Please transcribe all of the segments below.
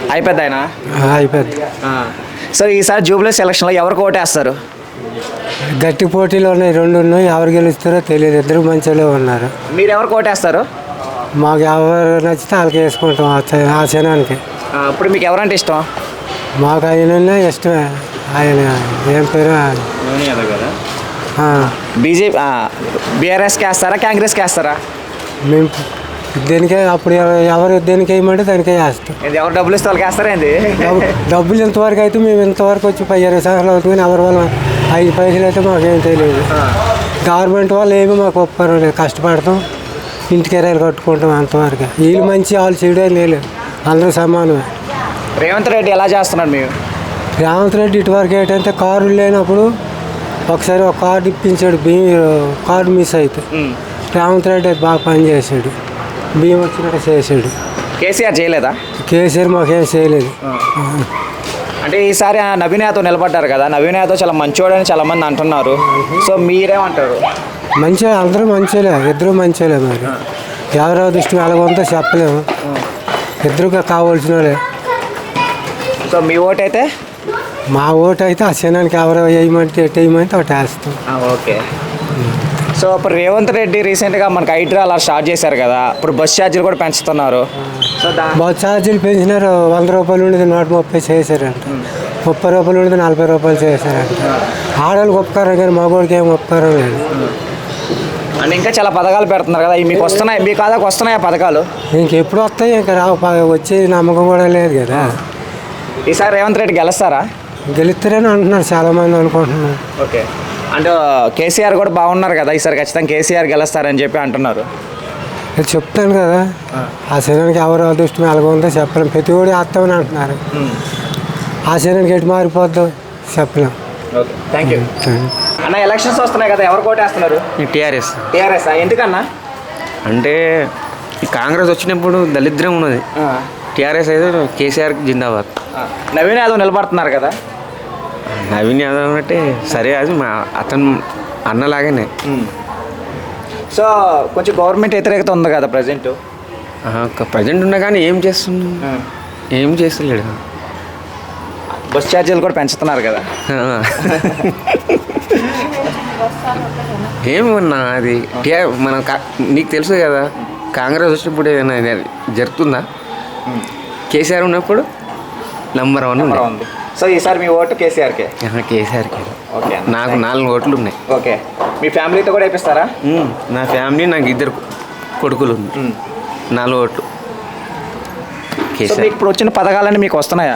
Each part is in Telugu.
అయిపోద్ది ఆయన అయిపోద్ది. సో ఈసారి జూబ్లీ ఎలక్షన్లో ఎవరికి ఓటేస్తారు? గట్టి పోటీలు ఉన్నాయి, 2 ఉన్నాయి. ఎవరు గెలుస్తారో తెలియదు. ఇద్దరు మంచిగా ఉన్నారు. మీరు ఎవరికి ఓటేస్తారు? మాకు ఎవరు నచ్చితే వాళ్ళకి వేసుకుంటాం ఆ క్షణానికి. ఇప్పుడు మీకు ఎవరంటే ఇష్టం? మాకు ఆయన ఇష్టమే. ఆయన ఏం పేరు? బీజేపీ బీఆర్ఎస్కి వేస్తారా, కాంగ్రెస్కి వేస్తారా? మేము దేనికే అప్పుడు ఎవరు దేనికి వేయమంటే దానికే వేస్తాం. ఎవరు డబ్బులు ఇస్తే వాళ్ళకి వేస్తారా ఏంది? డబ్బులు ఇంతవరకు అయితే మేము ఇంతవరకు వచ్చి 20 సంవత్సరాలు అవుతుంది. కానీ ఎవరి వల్ల 5 పైసలు అయితే మాకేం తెలియదు. గవర్నమెంట్ వాళ్ళు ఏమి మాకు ఒప్పుకోరు లేదు. కష్టపడతాం, ఇంటికి ఎరాలు కట్టుకుంటాం అంతవరకు. వీళ్ళు మంచి వాళ్ళు చెడు లేదు, అందరూ సమానమే. రేవంత్ రెడ్డి ఎలా చేస్తున్నాడు మీరు? రేవంత్ రెడ్డి ఇటువరకు ఏంటంటే కారులు లేనప్పుడు ఒకసారి ఒక కార్డు ఇప్పించాడు. కార్డు మిస్ అయితే రేవంత్ రెడ్డి అది బాగా పనిచేసాడు. బియ్యం వచ్చినట్టు చేసాడు. కేసీఆర్ చేయలేదా? కేసీఆర్ మాకేం చేయలేదు. అంటే ఈసారి నవీన్ యాదవ్ నిలబడ్డారు కదా, నవీన్ యాదవ్ చాలా మంచివాడని చాలా మంది అంటున్నారు. సో మీరేమంటారు? మంచిగా అందరూ మంచిలే, ఇద్దరు మంచిలే. మరి ఎవరో దృష్టి ఎలాగొంతో చెప్పలేము. ఇద్దరుగా కావాల్సిన వాళ్ళే. సో మీ ఓటు అయితే? మా ఓటు అయితే ఆ క్షణానికి ఎవరో వేయమంటే ఎటు వేయమంటే ఒకటి వేస్తాం. ఓకే. సో ఇప్పుడు రేవంత్ రెడ్డి రీసెంట్గా మనకి హైడ్రా అలా స్టార్ట్ చేశారు కదా, ఇప్పుడు బస్ ఛార్జీలు కూడా పెంచుతున్నారు. సో బస్ ఛార్జీలు పెంచినారు. 100 రూపాయలు ఉండేది 130 చేశారంట. 30 రూపాయలు ఉండేది 40 రూపాయలు చేశారంట. ఆడవాళ్ళకి ఉపకారం కానీ మగవాళ్ళకి ఏం ఉపకారం లేదు. అంటే ఇంకా చాలా పథకాలు పెడుతున్నారు కదా, మీకు వస్తున్నాయి, మీ కాదాకు వస్తున్నాయి ఆ పథకాలు? ఇంకెప్పుడు వస్తాయి? ఇంకా రావు. వచ్చే నమ్మకం కూడా లేదు కదా. ఈసారి రేవంత్ రెడ్డి గెలుస్తారా? గెలుస్తారని అంటున్నారు చాలామంది అనుకుంటున్నారు. ఓకే. అంటే కేసీఆర్ కూడా బాగున్నారు కదా, ఈసారి ఖచ్చితంగా కేసీఆర్ గెలుస్తారని చెప్పి అంటున్నారు. చెప్తాను కదా, ఆ శరీరానికి ఎవరు అదృష్టం ఎలాగొందో చెప్పలేం. ప్రతి ఒడి వేస్తామని అంటున్నారు. ఆ శరీరానికి ఎటు మారిపోద్దో చెప్పలేం. ఓకే, థ్యాంక్ యూ అన్న. ఎలక్షన్స్ వస్తున్నాయి కదా, ఎవరు కోటేస్తున్నారు? టీఆర్ఎస్. టీఆర్ఎస్ ఎందుకన్నా? అంటే ఈ కాంగ్రెస్ వచ్చినప్పుడు దళిద్రం ఉన్నది. టీఆర్ఎస్ అయితే కేసీఆర్ జిందాబాద్. నవీన్ యాదవ్ నిలబడుతున్నారు కదా. నవీన్ యాదవ్ అంటే సరే, అది మా అతను అన్నలాగానే. సో కొంచెం గవర్నమెంట్ వ్యతిరేకత ఉంది కదా ప్రజెంట్. ప్రజెంట్ ఉన్నా కానీ ఏం చేస్తున్నా, ఏం చేస్తలేడు. బస్ ఛార్జీలు కూడా పెంచుతున్నారు కదా. ఏమన్నా అది మనం నీకు తెలుసు కదా, కాంగ్రెస్ వచ్చినప్పుడు ఏదైనా జరుగుతుందా? కేసీఆర్ ఉన్నప్పుడు నంబర్ 1 ఉంది. సో ఈసారి మీ ఓటు కేసీఆర్కే? కేసీఆర్కే. ఓకే. నాకు 4 ఓట్లు ఉన్నాయి. ఓకే. మీ ఫ్యామిలీతో కూడా వేపిస్తారా? నా ఫ్యామిలీ, నాకు 2 కొడుకులు ఉంది. 4 ఓట్లు కేసీఆర్. ఇప్పుడు వచ్చిన పథకాలన్నీ మీకు వస్తున్నాయా?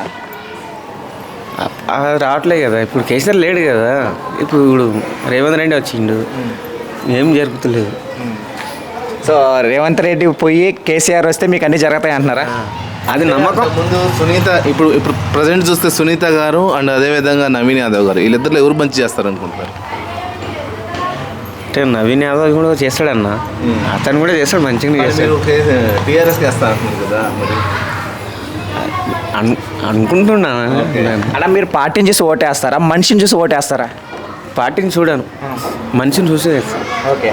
రావట్లేదు కదా. ఇప్పుడు కేసీఆర్ లేడు కదా. ఇప్పుడు రేవంత్ రెడ్డి వచ్చిండు, ఏం జరుగుతలేదు. సో రేవంత్ రెడ్డి పోయి కేసీఆర్ వస్తే మీకు అన్నీ జరుగుతాయి అంటున్నారా? అది నమ్మకం. ముందు సునీత, ఇప్పుడు ప్రజెంట్ చూస్తే సునీత గారు అండ్ అదేవిధంగా నవీన్ యాదవ్ గారు, వీళ్ళిద్దరు ఎవరు మంచి చేస్తారు అనుకుంటారు? అంటే నవీన్ యాదవ్ కూడా చేస్తాడన్న, అతను కూడా చేస్తాడు, మంచిగా చేస్తాడు. టీఆర్ఎస్కి వేస్తా అంటున్నారు కదా, మరి అనుకుంటున్నా. అలా మీరు పార్టీని చూసి ఓటేస్తారా, మనిషిని చూసి ఓటేస్తారా? పార్టీని చూడాను, మనిషిని చూసి వేస్తాను. ఓకే.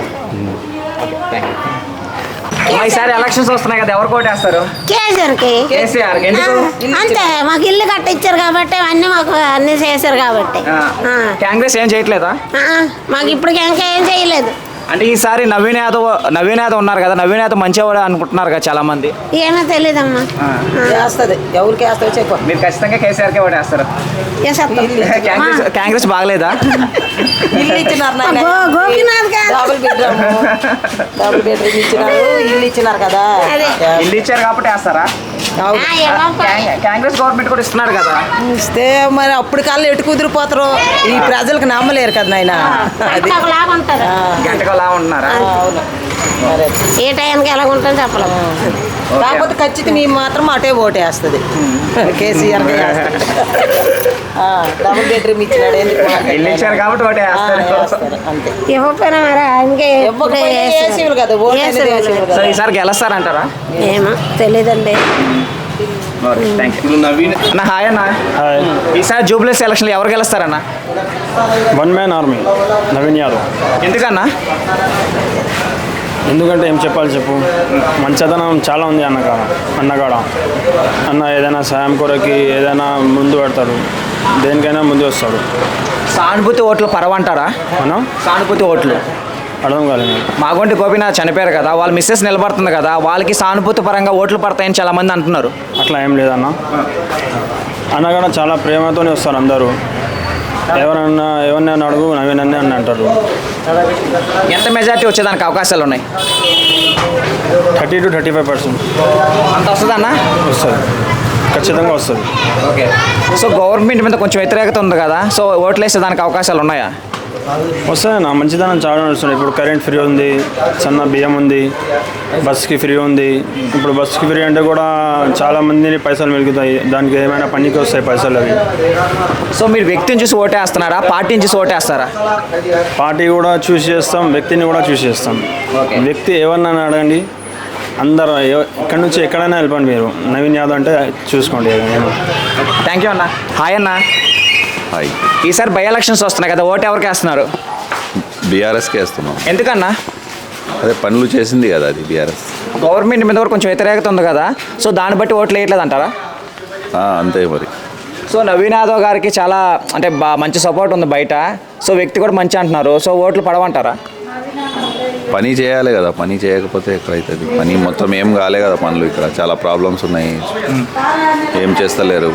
ఈసారి ఎలక్షన్స్ వస్తున్నాయి కదా, ఎవరు ఓటేస్తారు? కేసీఆర్. ఎందుకు? అంతే, మాకు ఇల్లు కట్టించారు కాబట్టి అన్ని మాకు అన్ని చేశారు కాబట్టి. కాంగ్రెస్ ఏం చేయట్లేదా? మాకు ఇప్పుడు ఇంకా ఏం చేయలేదు. అంటే ఈసారి నవీన్ యాదవ్ ఉన్నారు కదా, నవీన్ యాదవ్ మంచివాడు అనుకుంటున్నారు కదా చాలా మంది. ఏమో తెలియదమ్మా. ఎవరికి వేస్తారో చెప్పు. మీరు ఖచ్చితంగా కేసీఆర్కే ఓటేస్తారు. కాంగ్రెస్ బాగలేదా? ఇల్లు ఇచ్చినారు, డబుల్ బెడ్రూమ్ ఇచ్చినారు, ఇల్లు ఇచ్చినారు కదా. ఇల్లు ఇచ్చారు కాబట్టి వేస్తారా? కాంగ్రెస్ గవర్నమెంట్ కూడా ఇస్తున్నారు కదా. ఇస్తే మరి అప్పుడు కల్లా ఎటు కుదిరిపోతారు, ఈ ప్రజలకు నమ్మలేరు కదా నాయన. గంటకు అలా ఉంటున్నారా? ఏ టైంకి ఎలా ఉంటుంది చెప్పలేము. కాకపోతే ఖచ్చితంగా మేము మాత్రం అటే ఓటేస్తుంది కేసీఆర్. డబుల్ బెడ్రూమ్ ఇచ్చినాడు, ఇల్లు ఇచ్చారు కాబట్టి ఓటేస్తారు. అంతే. ఇవ్వకపోయినా మరి ఆయనకే వేసేవాళ్ళు కదా ఓటు. సో ఈసారి గెలుస్తారంటారా? ఏమో తెలీదండి. అన్న హాయ్ అన్న. ఈసారి జూబ్లీ ఎలక్షన్లు ఎవరు గెలుస్తారన్న? 1 man army, నవీన్ యాదవ్. ఎందుకన్నా? ఎందుకంటే ఏం చెప్పాలి చెప్పు, మంచితనం చాలా ఉంది అన్నగాడ. అన్న ఏదైనా సాయం కొరకి ఏదైనా ముందు పెడతాడు, దేనికైనా ముందు వస్తాడు. సానుభూతి ఓట్లు పరవంటారా? మనం సానుభూతి ఓట్లు అర్థం కాలేదు. మాగొంటి గోపీనాథ్ చనిపోయారు కదా, వాళ్ళ మిస్సెస్ నిలబడుతుంది కదా, వాళ్ళకి సానుభూతి పరంగా ఓట్లు పడతాయని చాలా మంది అంటున్నారు. అట్లా ఏం లేదన్న. అన్నగాడ చాలా ప్రేమతోనే వస్తారు అందరూ. ఎవరినైనా అడుగు నవీన్ అని అంటారు. ఎంత మెజారిటీ వచ్చేదానికి అవకాశాలు ఉన్నాయి? 30 to 35% అంత వస్తుందన్న? వస్తుంది, ఖచ్చితంగా వస్తుంది. ఓకే. సో గవర్నమెంట్ మీద కొంచెం వ్యతిరేకత ఉంది కదా, సో ఓట్లు వేసేదానికి అవకాశాలు ఉన్నాయా? వస్తాయన్న, మంచిదనం చాలా వస్తుంది. ఇప్పుడు కరెంట్ ఫ్రీ ఉంది, సన్న బియ్యం ఉంది, బస్కి ఫ్రీ ఉంది. ఇప్పుడు బస్కి ఫ్రీ అంటే కూడా చాలా మందిని పైసలు మిగులుతాయి, దానికి ఏమైనా పనికి వస్తాయి పైసలు అవి. సో మీరు వ్యక్తిని చూసి ఓటేస్తున్నారా, పార్టీని చూసి ఓటేస్తారా? పార్టీ కూడా చూస్ చేస్తాం, వ్యక్తిని కూడా చూస్ చేస్తాం. ఓకే. వ్యక్తి ఎవరినైనా అడగండి, అందరూ ఎక్కడి నుంచి ఎక్కడైనా వెళ్ళిపోండి, మీరు నవీన్ యాదవ్ అంటే చూసుకోండి. థ్యాంక్ యూ అన్న. హాయ్ అన్న. హాయ్. ఈసారి బై ఎలక్షన్స్ వస్తున్నాయి కదా, ఓటు ఎవరికి వేస్తున్నారు? బీఆర్ఎస్కి వేస్తున్నాం. ఎందుకన్నా? అదే పనులు చేసింది కదా అది బీఆర్ఎస్. గవర్నమెంట్ మీద కూడా కొంచెం వ్యతిరేకత ఉంది కదా, సో దాన్ని బట్టి ఓట్లు వేయట్లేదు అంటారా? అంతే మరి. సో నవీన్ యాదవ్ గారికి చాలా అంటే మంచి సపోర్ట్ ఉంది బయట, సో వ్యక్తి కూడా మంచి అంటున్నారు, సో ఓట్లు పడవంటారా? పని చేయాలి కదా, పని చేయకపోతే ఎక్కడైతుంది? పని మొత్తం ఏం కాలే కదా పనులు, ఇక్కడ చాలా ప్రాబ్లమ్స్ ఉన్నాయి, ఏం చేస్తలేరు.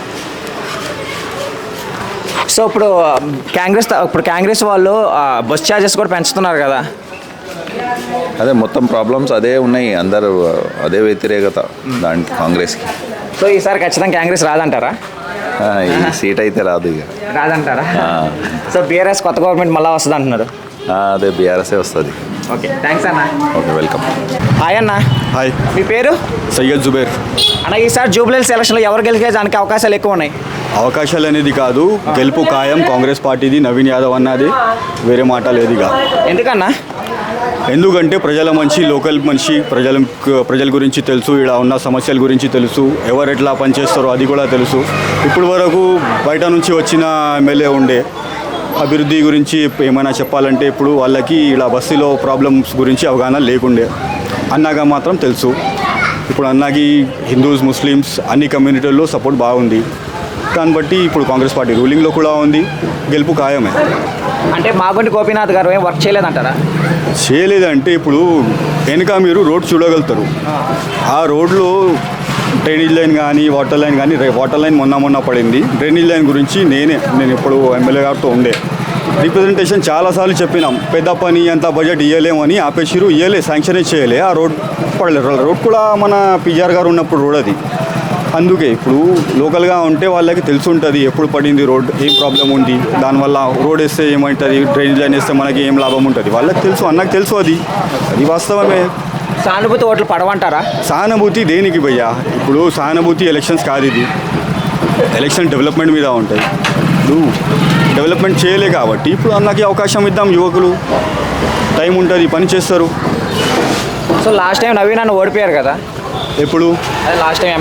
సో ఇప్పుడు కాంగ్రెస్ వాళ్ళు బస్ ఛార్జెస్ కూడా పెంచుతున్నారు కదా. అదే మొత్తం ప్రాబ్లమ్స్ అదే ఉన్నాయి, అందరూ అదే వ్యతిరేకత దానికి కాంగ్రెస్కి. సో ఈసారి ఖచ్చితంగా కాంగ్రెస్ రాదంటారా? ఈ సీట్ అయితే రాదు ఇక. రాదంటారా? సో బీఆర్ఎస్ కొత్త గవర్నమెంట్ మళ్ళీ వస్తుంది అంటున్నారు. అదే బీఆర్ఎస్ఏ వస్తుంది. ఓకే, థ్యాంక్స్ అన్న. Okay, welcome. హాయ్ అన్న. హాయ్, మీ పేరు? సయ్యద్ జుబేర్. అన్న ఈసారి జూబ్లీహిల్స్ ఎలక్షన్లో ఎవరు గెలిచేదానికి అవకాశాలు ఎక్కువ ఉన్నాయి? అవకాశాలు అనేది కాదు, గెలుపు ఖాయం కాంగ్రెస్ పార్టీది, నవీన్ యాదవ్ అన్నది, వేరే మాట లేదు ఇక. ఎందుకన్నా? ఎందుకంటే ప్రజల మనిషి, లోకల్ మనిషి, ప్రజల గురించి తెలుసు, ఇక్కడ ఉన్న సమస్యల గురించి తెలుసు, ఎవరు ఎట్లా పనిచేస్తారో అది కూడా తెలుసు. ఇప్పుడు వరకు బయట నుంచి వచ్చిన ఎమ్మెల్యే ఉండే అభివృద్ధి గురించి ఏమైనా చెప్పాలంటే ఇప్పుడు వాళ్ళకి ఇలా బస్సులో ప్రాబ్లమ్స్ గురించి అవగాహన లేకుండే. అన్నగా మాత్రం తెలుసు. ఇప్పుడు అన్నకి హిందూస్, ముస్లిమ్స్ అన్ని కమ్యూనిటీల్లో సపోర్ట్ బాగుంది. దాన్ని బట్టి ఇప్పుడు కాంగ్రెస్ పార్టీ రూలింగ్లో కూడా ఉంది, గెలుపు ఖాయమే. అంటే మాగొంటి గోపీనాథ్ గారు ఏం వర్క్ చేయలేదంటారా? చేయలేదంటే ఇప్పుడు వెనుక మీరు రోడ్ చూడగలుగుతారు. ఆ రోడ్లో డ్రైనేజ్ లైన్ కానీ వాటర్ లైన్ కానీ, వాటర్ లైన్ మొన్న పడింది. డ్రైనేజ్ లైన్ గురించి నేను ఇప్పుడు ఎమ్మెల్యే గారితో ఉండే రిప్రజెంటేషన్ చాలాసార్లు చెప్పినాం, పెద్ద పని అంత బడ్జెట్ ఇవ్వలేమని ఆపేసిరు, శాంక్షన్ చేయలే. ఆ రోడ్ పడలేదు. రోడ్ కూడా మన పిఆర్ గారు ఉన్నప్పుడు రోడ్ అది. అందుకే ఇప్పుడు లోకల్గా ఉంటే వాళ్ళకి తెలిసి ఉంటుంది ఎప్పుడు పడింది రోడ్, ఏం ప్రాబ్లం ఉంది, దానివల్ల రోడ్ వేస్తే ఏమవుతుంది, డ్రైనేజ్ లైన్ వేస్తే మనకి ఏం లాభం ఉంటుంది, వాళ్ళకి తెలుసు, అన్నకు తెలుసు. అది వాస్తవమే. సానుభూతి ఓట్లు పడవంటారా? సానుభూతి దేనికి భయ్యా? ఇప్పుడు సానుభూతి ఎలక్షన్స్ కాదు, ఇది ఎలక్షన్ డెవలప్మెంట్ మీద ఉంటాయి. ఇప్పుడు డెవలప్మెంట్ చేయలే కాబట్టి ఇప్పుడు అన్నకి అవకాశం ఇద్దాం. యువకులు టైం ఉంటుంది, పని చేస్తారు. సో లాస్ట్ టైం నవీన్ అన్న ఓడిపోయారు కదా, ఎప్పుడు? లాస్ట్ టైం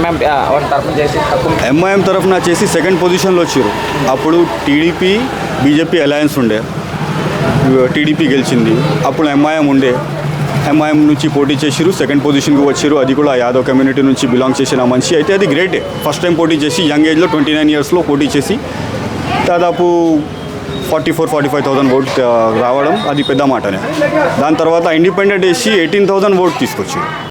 ఎంఐఎం తరఫున చేసి సెకండ్ పొజిషన్లో వచ్చారు. అప్పుడు టీడీపీ బీజేపీ అలయన్స్ ఉండే, టీడీపీ గెలిచింది. అప్పుడు ఎంఐఎం ఉండే, ఎంఐఎం నుంచి పోటీ చేసిరు, సెకండ్ పొజిషన్కి వచ్చారు. అది కూడా యాదవ్ కమ్యూనిటీ నుంచి బిలాంగ్ చేసిన మనిషి అయితే అది గ్రేటే. ఫస్ట్ టైం పోటీ చేసి యంగ్ ఏజ్లో 29 ఇయర్స్లో పోటీ చేసి దాదాపు 44,000-45,000 ఓట్ రావడం అది పెద్ద మాటనే. దాని తర్వాత ఇండిపెండెంట్ వేసి 18,000 ఓట్ తీసుకొచ్చారు.